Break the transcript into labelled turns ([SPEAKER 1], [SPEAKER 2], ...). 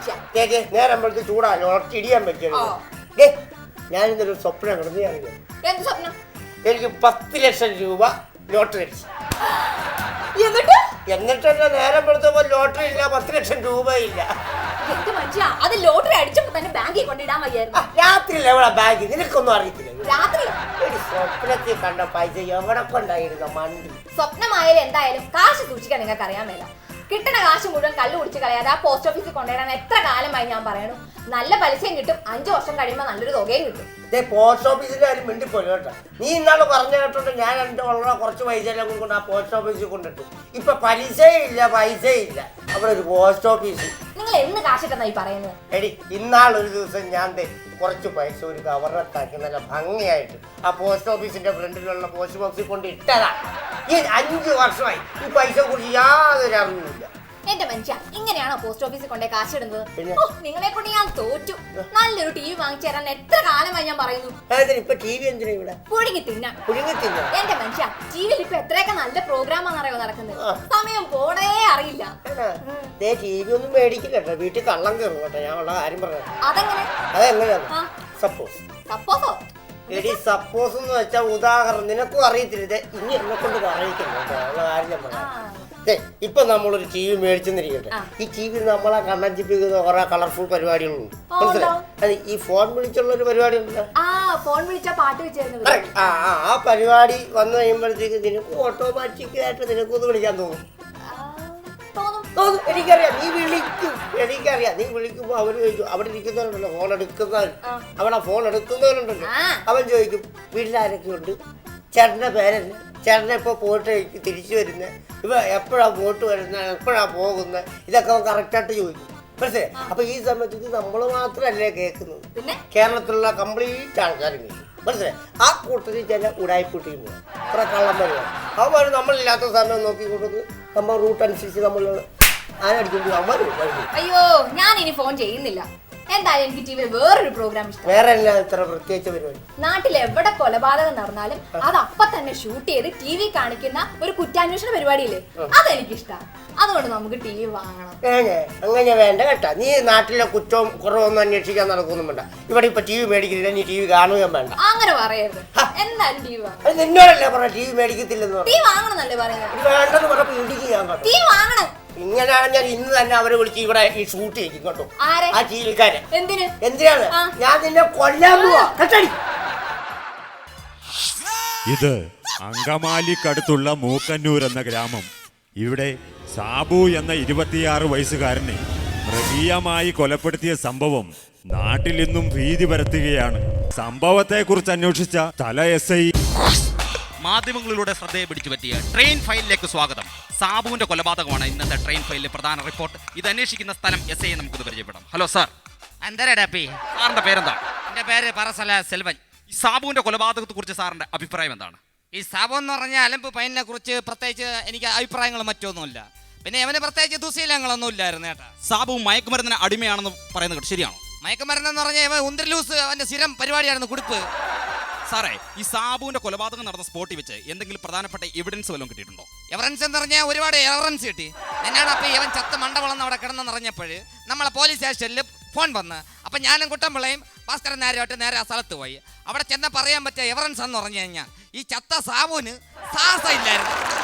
[SPEAKER 1] നേരം വെളുത്ത് ചൂടാലോ ഇടിയാൻ പറ്റുമോ? ഞാനിന്നൊരു സ്വപ്നം കിടന്നു.
[SPEAKER 2] എന്ത് സ്വപ്നം?
[SPEAKER 1] എനിക്ക് 10 ലക്ഷം രൂപ ലോട്ടറി അടിച്ചു. എന്നിട്ടല്ല നേരം വെളുത്തപ്പോ ലോട്ടറി ഇല്ല, 10 ലക്ഷം രൂപ ഇല്ല.
[SPEAKER 2] അത് ലോട്ടറി അടിച്ചപ്പോ തന്നെ ബാങ്കിൽ കൊണ്ടിടാൻ വയ്യായിരുന്നു.
[SPEAKER 1] രാത്രിയിൽ എവിടെ ബാങ്ക്? നിനക്കൊന്നും അറിയത്തില്ല.
[SPEAKER 2] രാത്രി
[SPEAKER 1] സ്വപ്നത്തിൽ കണ്ട പൈസ എവിടെ കൊണ്ടായിരുന്നു മണ്ടി.
[SPEAKER 2] സ്വപ്നമായാലും എന്തായാലും കാശ് സൂക്ഷിക്കാൻ നിങ്ങൾക്ക് അറിയാൻ മേല. കിട്ടുന്ന കാശ് മുഴുവൻ കള്ളു കുടിച്ച് കളയാതെ ആ പോസ്റ്റ് ഓഫീസിൽ കൊണ്ടുവരാൻ എത്ര കാലമായി ഞാൻ പറയണു. നല്ല പലിശയും കിട്ടും, 5 വർഷം കഴിയുമ്പോൾ നല്ലൊരു തുകയും കിട്ടും.
[SPEAKER 1] പോസ്റ്റ് ഓഫീസിന്റെ കാര്യം മിണ്ടിപ്പോയി കേട്ടോ. നീ ഇന്നാള് പറഞ്ഞു കേട്ടോണ്ട് ഞാൻ എന്റെ ഉള്ള കുറച്ച് പൈസ എല്ലാം കൊണ്ട് ആ പോസ്റ്റ് ഓഫീസിൽ കൊണ്ടിട്ടു. ഇപ്പൊ പലിശയില്ല, പൈസയില്ല. അവിടെ ഒരു പോസ്റ്റ് ഓഫീസ്.
[SPEAKER 2] നിങ്ങൾ എന്ന് കാശിട്ടെന്നായി പറയുന്നത്?
[SPEAKER 1] എടി ഇന്നാളൊരു ദിവസം ഞാൻ കുറച്ച് പൈസ ഒരു കവറിനകത്താക്കി നല്ല ഭംഗിയായിട്ട് ആ പോസ്റ്റ് ഓഫീസിന്റെ ഫ്രണ്ടിലുള്ള പോസ്റ്റ് ബോക്സിൽ കൊണ്ട് ഇട്ടതാ. ഈ 5 വർഷമായി ഈ പൈസ കുറിച്ച് യാതൊരു അറിവില്ല.
[SPEAKER 2] എന്റെ മനുഷ്യ, ഇങ്ങനെയാണോ പോസ്റ്റ് ഓഫീസിൽ കൊണ്ടേ കാശിടുന്നത്? നിങ്ങളെ കൊണ്ട് ഞാൻ തോറ്റു. നല്ലൊരു TV വാങ്ങിച്ചു തരാൻ എത്ര കാലമായി ഞാൻ പറയുന്നു.
[SPEAKER 1] ഇപ്പൊ TV എന്തിനാ ഇവിടെ?
[SPEAKER 2] പുഴുങ്ങി തിന്നാൻ. എന്റെ മനുഷ്യ, TVയിൽ ഇപ്പൊ എത്രയൊക്കെ നല്ല പ്രോഗ്രാമാണെന്നറിയോ നടക്കുന്നത്. സമയം പോടേ അറിയില്ല.
[SPEAKER 1] TV ഒന്നും മേടിക്കില്ല കേട്ടോ, വീട്ടിൽ കള്ളം കയറും കേട്ടോ. ഞാൻ ഉള്ള കാര്യം പറയാം.
[SPEAKER 2] അതെങ്ങനെയാണ്?
[SPEAKER 1] സപ്പോസോ എടി സപ്പോസ് എന്ന് വെച്ചാൽ ഉദാഹരണം നിനക്കും അറിയത്തില്ല. ഇനി എന്നെ കൊണ്ട് പറയിക്കുന്നു ഉള്ള കാര്യം ഞാൻ പറയാം. ഇപ്പൊ നമ്മളൊരു TV മേടിച്ചെന്നിരിക്കട്ടെ. ഈ TV നമ്മളെ കണ്ണഞ്ചിപ്പിക്കുന്ന കുറെ കളർഫുൾ പരിപാടികളുണ്ട്. മനസ്സിലായി? ഈ ഫോൺ വിളിച്ചുള്ള ഒരു പരിപാടി ഉണ്ടല്ലോ, ആ പരിപാടി വന്നു കഴിയുമ്പോഴത്തേക്ക് നിനക്ക് ഓട്ടോമാറ്റിക്കായിട്ട് നിനക്കൊന്ന് വിളിക്കാൻ തോന്നും. എനിക്കറിയാം, നീ വിളിക്കും. എനിക്കറിയാം, നീ വിളിക്കുമ്പോ അവര് ചോദിക്കും, അവിടെ ഇരിക്കുന്നവരുണ്ടല്ലോ ഫോൺ എടുക്കുന്നവർ, അവിടെ ഫോൺ എടുക്കുന്നവരുണ്ടല്ലോ, അവൻ ചോദിക്കും വീട്ടിലാരൊക്കെ ഉണ്ട്, ചേട്ടന്റെ പേരല്ല, ചേട്ടനെ ഇപ്പൊ പോയിട്ട് തിരിച്ചു വരുന്നത്, ഇപ്പൊ എപ്പോഴാ പോയിട്ട് വരുന്നത്, എപ്പോഴാ പോകുന്നത്, ഇതൊക്കെ അവൻ കറക്റ്റായിട്ട് ചോദിക്കും. മനസ്സിലായി? അപ്പൊ ഈ സമയത്ത് ഇത് നമ്മൾ മാത്രമല്ലേ കേൾക്കുന്നത്, കേരളത്തിലുള്ള കംപ്ലീറ്റ് ആൾക്കാരും കേൾക്കും. മനസ്സിലായി? ആ കൂട്ടത്തിൽ ചില ഉടായ്പൂട്ടിയും പോകും, അത്ര കള്ളം വരുവാണ്. അവർ നമ്മളില്ലാത്ത സമയം നോക്കിക്കൊണ്ടത് നമ്മൾ റൂട്ട് അനുസരിച്ച് നമ്മൾ ആരടിക്കുമ്പോൾ നമ്മൾ.
[SPEAKER 2] അയ്യോ, ഞാൻ ഇനി ഫോൺ ചെയ്യുന്നില്ല. എന്തായാലും എനിക്ക് ടിവിയിൽ വേറൊരു പ്രോഗ്രാം ഇഷ്ടം.
[SPEAKER 1] വേറെ എന്നാ ഇത്ര പ്രത്യേകിച്ച പരിപാടി?
[SPEAKER 2] നാട്ടിൽ എവിടെ കൊലപാതകം നടന്നാലും അത് അപ്പൊ തന്നെ ഷൂട്ട് ചെയ്ത് TV കാണിക്കുന്ന ഒരു കുറ്റാന്വേഷണ പരിപാടിയില്ലേ, അതെനിക്കിഷ്ടമാണ്. അതുകൊണ്ട് നമുക്ക് TV വാങ്ങണം.
[SPEAKER 1] അങ്ങനെ വേണ്ട കേട്ടാ. നീ നാട്ടിലെ കുറ്റവും കുറവൊന്നും അന്വേഷിക്കാൻ നടക്കൊന്നും വേണ്ട. ഇവിടെ ഇപ്പൊ TV മേടിക്കുന്നില്ല, നീ TV കാണുകയും വേണ്ട.
[SPEAKER 2] അങ്ങനെ പറയരുത്. എന്തായാലും TV വാങ്ങണം.
[SPEAKER 1] നിന്നോടല്ലേ പറഞ്ഞ TV മേടിക്കത്തില്ലെന്ന്?
[SPEAKER 2] TV വാങ്ങണം എന്നല്ലേ പറയുന്നത്?
[SPEAKER 1] വേണ്ടെന്ന് പറഞ്ഞപ്പോ ഇടിക്ക് ഞാൻ പറഞ്ഞു.
[SPEAKER 2] TV വാങ്ങണം.
[SPEAKER 1] ഇങ്ങനെയാണ് ഞാൻ ഇന്ന് തന്നെ അവരെ വിളിച്ച് ഇവിടെ ഈ ഷൂട്ട് ചെയ്യും കേട്ടോ. ആ ടീവിക്കാരെ എന്തിനാണ് ഞാൻ നിന്നെ കൊല്ലാൻ പോവാ.
[SPEAKER 3] ഇത് അങ്കമാലിക്കടുത്തുള്ള മൂക്കന്നൂർ എന്ന ഗ്രാമം. ഇവിടെ സാബു എന്ന 26 വയസ്സുകാരനെ മൃഗീയമായി കൊലപ്പെടുത്തിയ സംഭവം നാട്ടിൽ ഇന്നും ഭീതി പരത്തുകയാണ്. സംഭവത്തെക്കുറിച്ച് അന്വേഷിച്ച തല SI
[SPEAKER 4] മാധ്യമങ്ങളിലൂടെ ശ്രദ്ധയെ പിടിച്ചു പറ്റിയ ട്രെയിൻ ഫയലിലേക്ക് സ്വാഗതം. സാബുവിന്റെ കൊലപാതകമാണ് ഇന്നത്തെ ട്രെയിൻ ഫയലിലെ പ്രധാന റിപ്പോർട്ട്. ഇത് അന്വേഷിക്കുന്ന സ്ഥലം SI നമുക്ക് പരിചയപ്പെടാം. Hello sir.
[SPEAKER 5] എന്തരടപ്പി?
[SPEAKER 4] സാറിന്റെ പേരെന്താ?
[SPEAKER 5] എന്റെ പേര് പറസല സെൽവൻ.
[SPEAKER 4] ഈ സാബുവിന്റെ കൊലപാതകത്തെ കുറിച്ച് സാറിന്റെ അഭിപ്രായം എന്താണ്?
[SPEAKER 5] ഈ സാബു എന്ന് പറഞ്ഞ അലമ്പ് പയ്യനെ കുറിച്ച് പ്രത്യേകിച്ച് എനിക്ക് അഭിപ്രായങ്ങൾ മറ്റൊന്നുമില്ല. പിന്നെ അവന് പ്രത്യേകിച്ച് ദുശീലങ്ങളൊന്നും ഇല്ലായിരുന്നു കേട്ടാ.
[SPEAKER 4] സാബു മയക്കുമരുന്നിന് അടിമയാണെന്ന് പറയുന്നത് കേട്ടോ, ശരിയാണോ?
[SPEAKER 5] മയക്കുമരുന്നെന്ന് പറഞ്ഞാൽ ഇവൻ ഉന്തരലൂസ് അവന്റെ സ്ഥിരം പരിപാടിയായിരുന്നു, കുടിപ്പ്.
[SPEAKER 4] സാറേ, ഈ സാബുവിന്റെ കൊലപാതകം നടന്ന സ്പോട്ടിൽ വെച്ച് എന്തെങ്കിലും പ്രധാനപ്പെട്ട എവിഡൻസ് വല്ലതും കിട്ടിയിട്ടുണ്ടോ?
[SPEAKER 5] എവിഡൻസ് എന്ന് പറഞ്ഞാൽ ഒരുപാട് എവിഡൻസ് കിട്ടി. എന്നാണ് അപ്പൊ ഇവൻ ചത്ത മണ്ടവളന്ന് അവിടെ കിടന്നെന്നറിഞ്ഞപ്പോൾ നമ്മളെ പോലീസ് സ്റ്റേഷനിൽ ഫോൺ വന്ന്, അപ്പം ഞാനും കുട്ടമ്പിള്ളയും ഭാസ്കരൻ നേരെയായിട്ട് നേരെ ആ സ്ഥലത്ത് പോയി. അവിടെ ചെന്ന പറയാൻ പറ്റിയ എവിഡൻസ് എന്ന് പറഞ്ഞു കഴിഞ്ഞാൽ ഈ ചത്ത സാബുവിന് സാഹസം ഇല്ലായിരുന്നു.